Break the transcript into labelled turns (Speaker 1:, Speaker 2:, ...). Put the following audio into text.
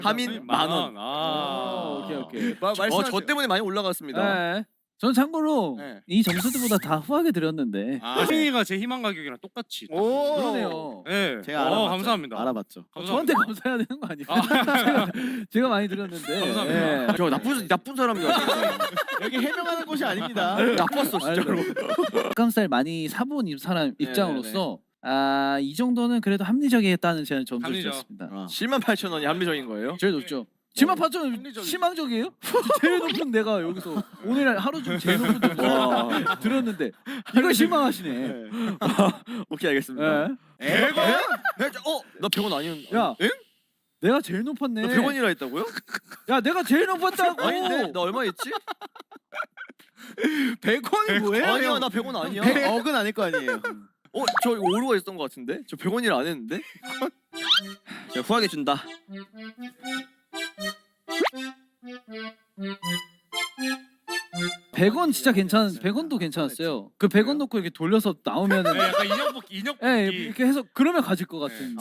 Speaker 1: 하민 10,000원.
Speaker 2: 오케이.
Speaker 1: 저 때문에 많이 올라갔습니다.
Speaker 2: 네. 전 참고로
Speaker 1: 네.
Speaker 2: 이 점수들보다 다 후하게 드렸는데.
Speaker 3: 하민이가 제 희망 가격이랑 똑같이.
Speaker 1: 오.
Speaker 2: 그러네요.
Speaker 3: 네.
Speaker 1: 제가 알아봤죠.
Speaker 3: 감사합니다.
Speaker 1: 알아봤죠.
Speaker 2: 저한테 감사해야 되는 거 아니에요? 제가 많이 드렸는데.
Speaker 3: 감사합니다.
Speaker 2: 예.
Speaker 1: 저 나쁜 사람이야. 여기 해명하는 곳이 아닙니다. 나빴어 진짜로.
Speaker 2: 닭가슴살 많이 사본 사람 입장으로서 이 정도는 그래도 합리적이겠다는 제가 점수를
Speaker 3: 합리적.
Speaker 2: 드렸습니다.
Speaker 1: 78,000원이 합리적인 거예요?
Speaker 2: 제일 높죠. 78,000원 희망적이에요? 제일 높은 내가 여기서 오늘 하루 중 제일 높은 점수 들었는데 이걸 실망하시네.
Speaker 1: 오케이 알겠습니다.
Speaker 2: 예.
Speaker 1: 100원? 나 100원 아니었는데.
Speaker 2: 야,
Speaker 1: 엥?
Speaker 2: 내가 제일 높았네.
Speaker 1: 나 100원이라 했다고요?
Speaker 2: 야, 내가 제일 높았다고.
Speaker 1: 아닌데? 나 얼마 했지?
Speaker 4: 100원이 뭐예요?
Speaker 1: 아니야 나 100원 아니야.
Speaker 4: 100억은 아닐 거 아니에요.
Speaker 1: 저 이거 오류가 있었던 것 같은데? 저 100원이라 안 했는데? 제가 후하게 준다.
Speaker 2: $100 진짜 100원도 괜찮았어요. 그 100원 놓고 이렇게 돌려서 나오면은
Speaker 3: 약간 인형 뽑기.
Speaker 2: 예, 이렇게 해서 그러면 가질 것 같은.